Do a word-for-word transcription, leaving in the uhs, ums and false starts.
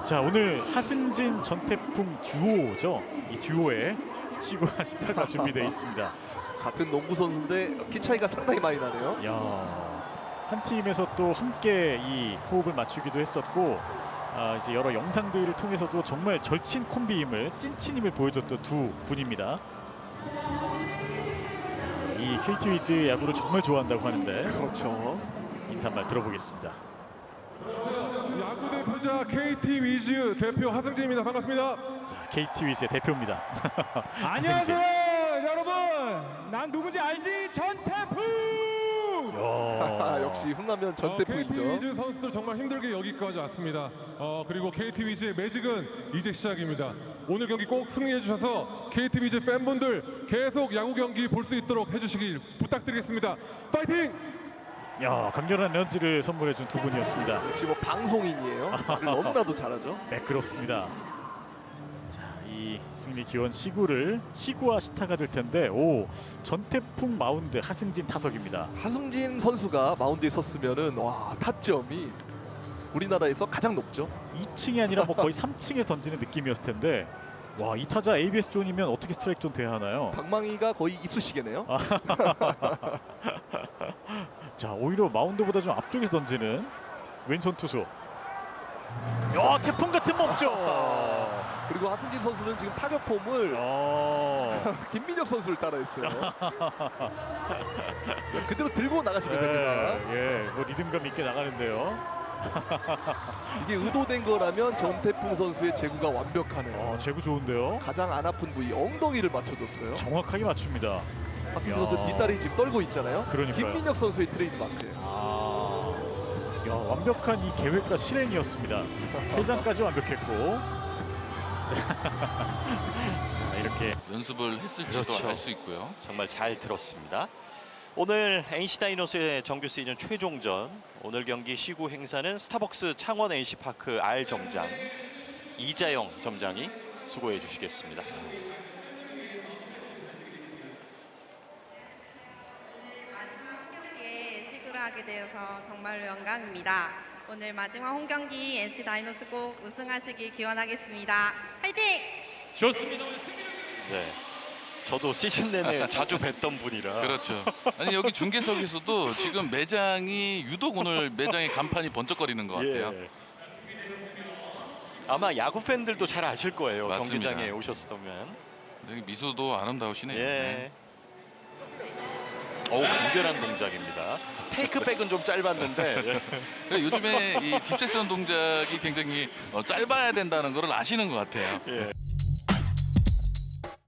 자, 오늘 하승진 전태풍 듀오죠. 이 듀오에 시구와 시타가 준비되어 있습니다. 같은 농구 선수인데 키 차이가 상당히 많이 나네요. 야, 한 팀에서 또 함께 이 호흡을 맞추기도 했었고, 아, 이제 여러 영상들을 통해서도 정말 절친 콤비임을, 찐친임을 보여줬던 두 분입니다. 이 케이티 위즈 야구를 정말 좋아한다고 하는데, 그렇죠. 인사 한번 들어보겠습니다. 야구 대표자 케이티 위즈 대표 하승진입니다. 반갑습니다. 자, 케이티 위즈의 대표입니다. 안녕하세요, 여러분. 난 누군지 알지? 전태풍. 야, 역시 훈남면 어, 전태풍이죠. 케이티 위즈 선수들 정말 힘들게 여기까지 왔습니다. 어, 그리고 케이티 위즈의 매직은 이제 시작입니다. 오늘 경기 꼭 승리해 주셔서 케이티 위즈 팬분들 계속 야구 경기 볼 수 있도록 해주시길 부탁드리겠습니다. 파이팅! 야, 강렬한 에너지를 선물해준 두 분이었습니다. 역시 뭐 방송인이에요. 말을 너무나도 잘하죠. 매끄럽습니다. 자, 이 승리 기원 시구를 시구와 시타가 될 텐데, 오, 전태풍 마운드, 하승진 타석입니다. 하승진 선수가 마운드에 섰으면은 와, 타점이 우리나라에서 가장 높죠. 이 층이 아니라 뭐 거의 삼 층에 던지는 느낌이었을 텐데, 와, 이 타자 에이비에스 존이면 어떻게 스트라이크 존 돼야 하나요? 방망이가 거의 이쑤시개네요. 자, 오히려 마운드보다 좀 앞쪽에서 던지는 왼손 투수. 야, 태풍 같은 몸죠. 그리고 하승진 선수는 지금 타격 폼을 어. 김민혁 선수를 따라했어요. 그대로 들고 나가시면 됩니다. 예, 예, 뭐 리듬감 있게 나가는데요. 이게 의도된 거라면 전태풍 선수의 제구가 완벽하네요. 어, 제구 좋은데요. 가장 안 아픈 부위 엉덩이를 맞춰줬어요. 정확하게 맞춥니다. 하승진 야. 선수 뒷다리 지금 떨고 있잖아요. 그러니까요. 김민혁 선수의 트레이드마크예요. 아, 야, 완벽한 이 계획과 실행이었습니다. 퇴장까지 완벽했고. 자, 이렇게 연습을 했을지도 그렇죠. 알 수 있고요. 정말 잘 들었습니다. 오늘 엔씨 다이노스의 정규 시즌 최종전, 오늘 경기 시구 행사는 스타벅스 창원 엔씨파크 R 점장 이자영 점장이 수고해 주시겠습니다. 홈경기에 시구를 하게 되어서 정말로 영광입니다. 오늘 마지막 홈경기 엔씨 다이노스 꼭 우승하시길 기원하겠습니다. 화이팅! 좋습니다. 오늘 승리. 네, 저도 시즌 내내 자주 뵀던 분이라. 그렇죠. 아니 여기 중계석에서도 지금 매장이 유독 오늘 매장의 간판이 번쩍거리는 것 같아요. 예. 아마 야구 팬들도 잘 아실 거예요. 맞습니다. 경기장에 오셨다면. 여기 미소도 아름다우시네요. 예. 네. 어우, 간결한 동작입니다. 테이크백은 좀 짧았는데. 예. 그러니까 요즘에 이 딥세션 동작이 굉장히 어, 짧아야 된다는 걸 아시는 것 같아요. 예.